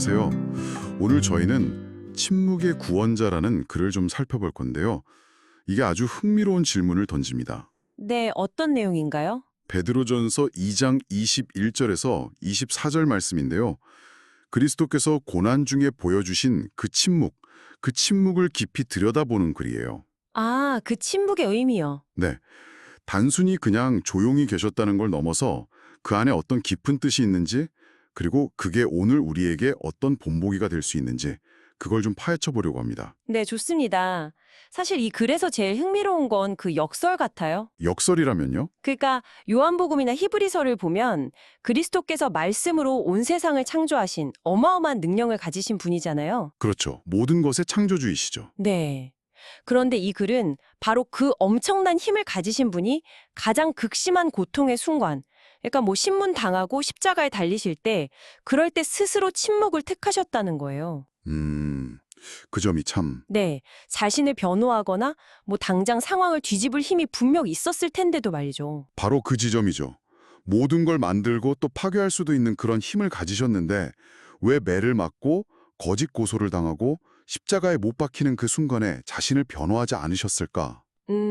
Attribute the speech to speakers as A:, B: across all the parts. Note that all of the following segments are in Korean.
A: 안녕하세요. 오늘 저희는 침묵의 구원자라는 글을 좀 살펴볼 건데요. 이게 아주 흥미로운 질문을 던집니다.
B: 네, 어떤 내용인가요?
A: 베드로전서 2장 21절에서 24절 말씀인데요. 그리스도께서 고난 중에 보여주신 그 침묵을 깊이 들여다보는 글이에요.
B: 아, 그 침묵의 의미요.
A: 네, 단순히 그냥 조용히 계셨다는 걸 넘어서 그 안에 어떤 깊은 뜻이 있는지, 그리고 그게 오늘 우리에게 어떤 본보기가 될 수 있는지 그걸 좀 파헤쳐 보려고 합니다.
B: 네, 좋습니다. 사실 이 글에서 제일 흥미로운 건 그 역설 같아요.
A: 역설이라면요?
B: 그러니까 요한복음이나 히브리서를 보면 그리스도께서 말씀으로 온 세상을 창조하신 어마어마한 능력을 가지신 분이잖아요.
A: 그렇죠. 모든 것의 창조주이시죠.
B: 네. 그런데 이 글은 바로 그 엄청난 힘을 가지신 분이 가장 극심한 고통의 순간, 그러니까 뭐 신문 당하고 십자가에 달리실 때, 그럴 때 스스로 침묵을 택하셨다는 거예요.
A: 그 점이 참.
B: 네, 자신을 변호하거나 뭐 당장 상황을 뒤집을 힘이 분명 있었을 텐데도 말이죠.
A: 바로 그 지점이죠. 모든 걸 만들고 또 파괴할 수도 있는 그런 힘을 가지셨는데 왜 매를 맞고 거짓 고소를 당하고 십자가에 못 박히는 그 순간에 자신을 변호하지 않으셨을까?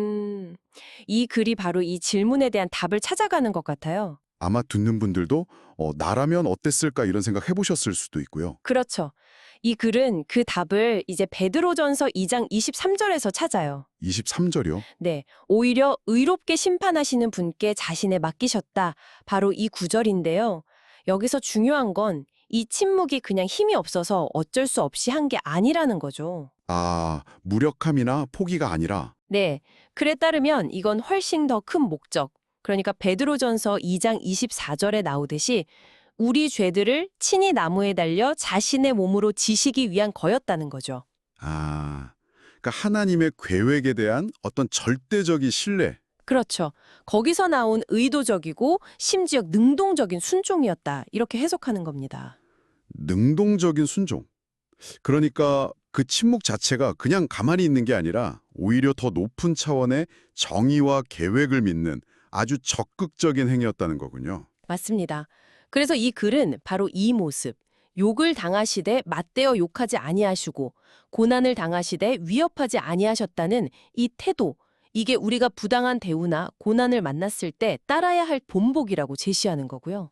B: 이 글이 바로 이 질문에 대한 답을 찾아가는 것 같아요.
A: 아마 듣는 분들도 나라면 어땠을까 이런 생각 해보셨을 수도 있고요.
B: 그렇죠. 이 글은 그 답을 이제 베드로전서 2장 23절에서 찾아요.
A: 23절이요?
B: 네, 오히려 의롭게 심판하시는 분께 자신을 맡기셨다. 바로 이 구절인데요. 여기서 중요한 건 이 침묵이 그냥 힘이 없어서 어쩔 수 없이 한 게 아니라는 거죠.
A: 아, 무력함이나 포기가 아니라.
B: 네, 글에 따르면 이건 훨씬 더 큰 목적, 그러니까 베드로전서 2장 24절에 나오듯이 우리 죄들을 친히 나무에 달려 자신의 몸으로 지시기 위한 거였다는 거죠.
A: 아, 그러니까 하나님의 계획에 대한 어떤 절대적인 신뢰.
B: 그렇죠. 거기서 나온 의도적이고 심지어 능동적인 순종이었다. 이렇게 해석하는 겁니다.
A: 능동적인 순종. 그러니까 그 침묵 자체가 그냥 가만히 있는 게 아니라 오히려 더 높은 차원의 정의와 계획을 믿는 아주 적극적인 행위였다는 거군요.
B: 맞습니다. 그래서 이 글은 바로 이 모습, 욕을 당하시되 맞대어 욕하지 아니하시고 고난을 당하시되 위협하지 아니하셨다는 이 태도, 이게 우리가 부당한 대우나 고난을 만났을 때 따라야 할 본보기라고 제시하는 거고요.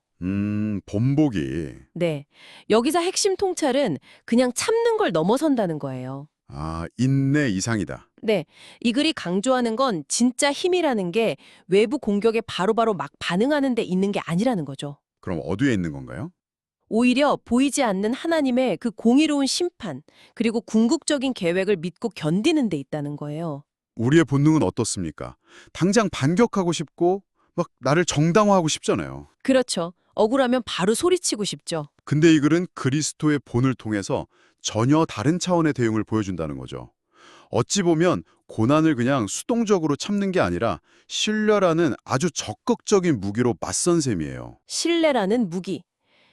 A: 본보기.
B: 네, 여기서 핵심 통찰은 그냥 참는 걸 넘어선다는 거예요.
A: 아, 인내 이상이다.
B: 네, 이 글이 강조하는 건 진짜 힘이라는 게 외부 공격에 바로바로 막 반응하는 데 있는 게 아니라는 거죠.
A: 그럼 어디에 있는 건가요?
B: 오히려 보이지 않는 하나님의 그 공의로운 심판, 그리고 궁극적인 계획을 믿고 견디는 데 있다는 거예요.
A: 우리의 본능은 어떻습니까? 당장 반격하고 싶고 막 나를 정당화하고 싶잖아요.
B: 그렇죠. 억울하면 바로 소리치고 싶죠.
A: 근데 이 글은 그리스도의 본을 통해서 전혀 다른 차원의 대응을 보여준다는 거죠. 어찌 보면 고난을 그냥 수동적으로 참는 게 아니라 신뢰라는 아주 적극적인 무기로 맞선 셈이에요.
B: 신뢰라는 무기.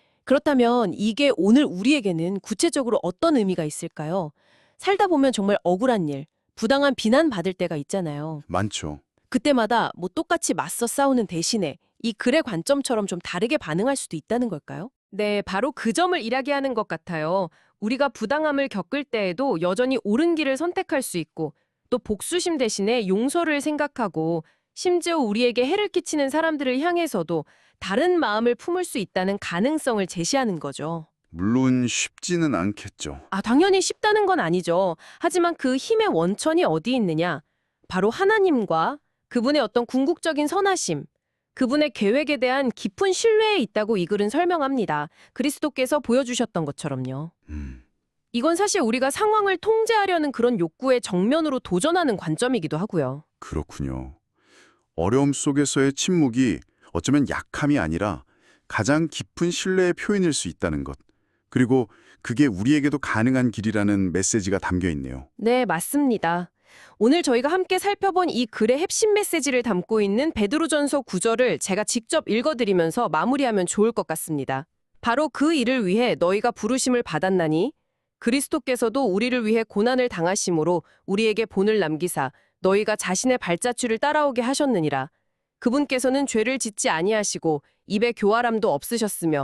B: 그렇다면 이게 오늘 우리에게는 구체적으로 어떤 의미가 있을까요? 살다 보면 정말 억울한 일, 부당한 비난받을 때가 있잖아요.
A: 많죠.
B: 그때마다 뭐 똑같이 맞서 싸우는 대신에 이 글의 관점처럼 좀 다르게 반응할 수도 있다는 걸까요? 네, 바로 그 점을 이야기하는 것 같아요. 우리가 부당함을 겪을 때에도 여전히 옳은 길을 선택할 수 있고 또 복수심 대신에 용서를 생각하고 심지어 우리에게 해를 끼치는 사람들을 향해서도 다른 마음을 품을 수 있다는 가능성을 제시하는 거죠.
A: 물론 쉽지는 않겠죠.
B: 아, 당연히 쉽다는 건 아니죠. 하지만 그 힘의 원천이 어디 있느냐? 바로 하나님과 그분의 어떤 궁극적인 선하심, 그분의 계획에 대한 깊은 신뢰에 있다고 이 글은 설명합니다. 그리스도께서 보여주셨던 것처럼요.
A: 음,
B: 이건 사실 우리가 상황을 통제하려는 그런 욕구에 정면으로 도전하는 관점이기도 하고요.
A: 그렇군요. 어려움 속에서의 침묵이 어쩌면 약함이 아니라 가장 깊은 신뢰의 표현일 수 있다는 것. 그리고 그게 우리에게도 가능한 길이라는 메시지가 담겨 있네요.
B: 네, 맞습니다. 오늘 저희가 함께 살펴본 이 글의 핵심 메시지를 담고 있는 베드로전서 9절을 제가 직접 읽어드리면서 마무리하면 좋을 것 같습니다. 바로 그 일을 위해 너희가 부르심을 받았나니 그리스도께서도 우리를 위해 고난을 당하심으로 우리에게 본을 남기사 너희가 자신의 발자취를 따라오게 하셨느니라. 그분께서는 죄를 짓지 아니하시고 입에 교활함도 없으셨으며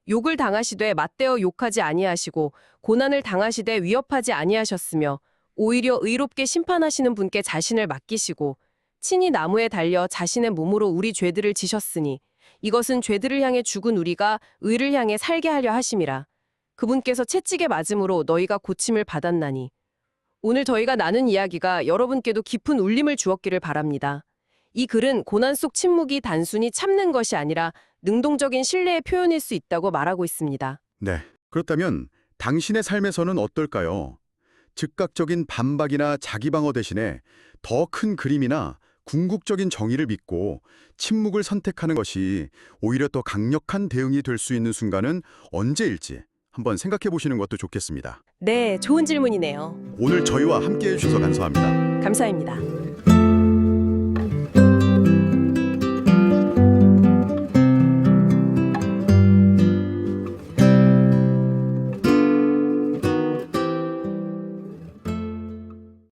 B: 욕을 당하시되 맞대어 욕하지 아니하시고 고난을 당하시되 위협하지 아니하셨으며 오히려 의롭게 심판하시는 분께 자신을 맡기시고 친히 나무에 달려 자신의 몸으로 우리 죄들을 지셨으니 이것은 죄들을 향해 죽은 우리가 의를 향해 살게 하려 하심이라. 그분께서 채찍에 맞음으로 너희가 고침을 받았나니. 오늘 저희가 나눈 이야기가 여러분께도 깊은 울림을 주었기를 바랍니다. 이 글은 고난 속 침묵이 단순히 참는 것이 아니라 능동적인 신뢰의 표현일 수 있다고 말하고 있습니다.
A: 네. 그렇다면 당신의 삶에서는 어떨까요? 즉각적인 반박이나 자기 방어 대신에 더 큰 그림이나 궁극적인 정의를 믿고 침묵을 선택하는 것이 오히려 더 강력한 대응이 될 수 있는 순간은 언제일지 한번 생각해 보시는 것도 좋겠습니다.
B: 네, 좋은 질문이네요.
A: 오늘 저희와 함께해 주셔서 감사합니다.
B: 감사합니다.